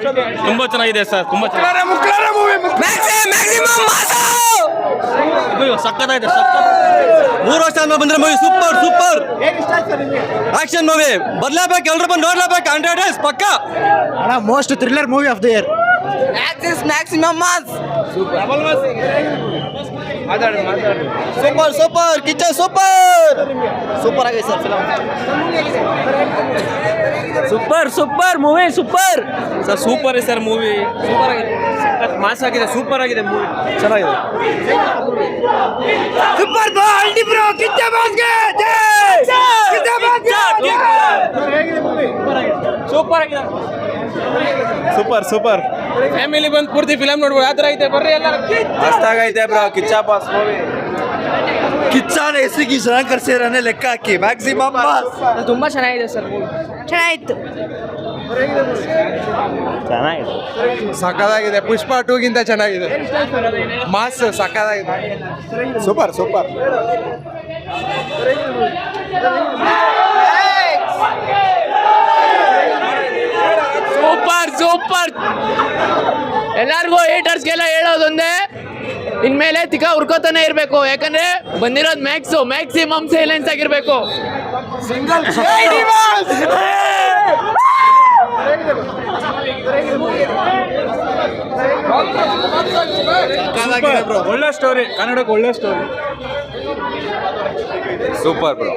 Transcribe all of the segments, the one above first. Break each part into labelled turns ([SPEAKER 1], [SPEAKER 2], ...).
[SPEAKER 1] ತುಂಬಾ ಚೆನ್ನಾಗಿದೆ ಸರ್, ತುಂಬಾ ಸಕ್ಕತ್ತಾಗಿದೆ. 3 ವರ್ಷ ಆದ್ಮೇಲೆ ಬಂದ್ರೆ movie super super action movie. ಬರ್ಲೇಬೇಕು, ಎಲ್ರು ಬಂದು ನೋಡ್ಲೇಬೇಕು. 100 days ಪಕ್ಕ.
[SPEAKER 2] Most thriller movie of the year.
[SPEAKER 3] Maximum mass.
[SPEAKER 1] Super super Kichcha super super ಆಗಿದೆ sir film.
[SPEAKER 3] Super super movie super
[SPEAKER 1] sir super ಇದೆ ಸರ್ ಮೂವಿ. ಸೂಪರ್ ಆಗಿದೆ, ಮಾಸ್ ಆಗಿದೆ, ಸೂಪರ್ ಆಗಿದೆ ಮೂವಿ, ಚೆನ್ನಾಗಿದೆ.
[SPEAKER 3] ಸೂಪರ್ ಬಾಲ್ಡಿ ಬ್ರೋ ಕಿಚ್ಚ ಬಾಸ್ಗೆ ಕಿಚ್ಚ ಬಾಸ್ಗೆ
[SPEAKER 1] ಸೂಪರ್ ಆಗಿದೆ.
[SPEAKER 4] ಸೂಪರ್ ಸೂಪರ್
[SPEAKER 1] ಫ್ಯಾಮಿಲಿ ಬಂದು ಪೂರ್ತಿ ಫಿಲಮ್ ನೋಡ್ಬೋದು. ಆ ಥರ ಐತೆ, ಬರ್ರಿ ಎಲ್ಲರೂ.
[SPEAKER 4] ಮಸ್ತಾಗೈತೆ ಬ್ರೋ ಕಿಚ್ಚ ಬಾಸ್ ಮೂವಿ.
[SPEAKER 2] ಕಿಚ್ಚಾನ ಹೆಸರಿಗೆ ಚೆನ್ನಾಗಿ ಕರ್ಸಿರೋನೆ ಲೆಕ್ಕ ಹಾಕಿ. ಮ್ಯಾಕ್ಸಿಮಮ್
[SPEAKER 3] ತುಂಬಾ ಚೆನ್ನಾಗಿದೆ ಸರ್ ಮೂವಿ. ಚೆನ್ನಾಗಿತ್ತು.
[SPEAKER 4] ಸಕ್ಕದಾಗಿದೆ. ಪುಷ್ಪ 2 ಗಿಂತ ಚೆನ್ನಾಗಿದೆ. ಮಾಸ್ ಸಕ್ಕದಾಗಿದೆ. Super super.
[SPEAKER 3] Super super. ಎಲ್ಲರಿಗೂ ಹೇಟರ್ಸ್ಗೆಲ್ಲ ಹೇಳೋದೊಂದೇ, ಇನ್ಮೇಲೆ ತಿಕ್ಕ ಹುರ್ಕೋತಾನೆ ಇರಬೇಕು. ಯಾಕಂದ್ರೆ ಬಂದಿರೋದು ಮ್ಯಾಕ್ಸಿಮಮ್ ಸೈಲೆನ್ಸ್ ಆಗಿರ್ಬೇಕು.
[SPEAKER 4] ಒಳ್ಳೆ ಸ್ಟೋರಿ, ಕನ್ನಡಕ್ಕೆ ಒಳ್ಳೆ ಸ್ಟೋರಿ. Super bro.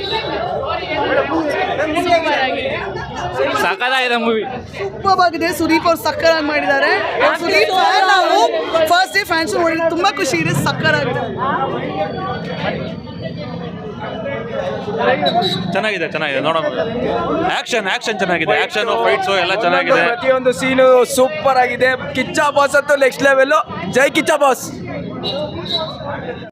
[SPEAKER 1] ಸಕ್ಕತ್ತಾಗಿದೆ ಮೂವಿ.
[SPEAKER 5] ಸೂಪರ್ ಆಗಿದೆ. ಸುದೀಪ್ ಅವ್ರು ಸಕ್ಕರಾಗಿ ಮಾಡಿದ್ದಾರೆ. ಸುದೀಪ್ ನಾವು ಫಸ್ಟ್ ಡೇ ಫ್ಯಾನ್ಸ್ ನೋಡಿದ್ರೆ ತುಂಬಾ ಖುಷಿ ಇದೆ. ಸಕ್ಕರಾಗಿದೆ.
[SPEAKER 1] ಚೆನ್ನಾಗಿದೆ ಚೆನ್ನಾಗಿದೆ, ನೋಡೋಣ. ಆಕ್ಷನ್ ಚೆನ್ನಾಗಿದೆ. ಆಕ್ಷನ್ ಫೈಟ್ಸು ಎಲ್ಲ ಚೆನ್ನಾಗಿದೆ.
[SPEAKER 4] ಪ್ರತಿಯೊಂದು ಸೀನು ಸೂಪರ್ ಆಗಿದೆ. ಕಿಚ್ಚ ಬಾಸ್ ಅಂತೂ ನೆಕ್ಸ್ಟ್ ಲೆವೆಲ್. ಜೈ ಕಿಚ್ಚ ಬಾಸ್.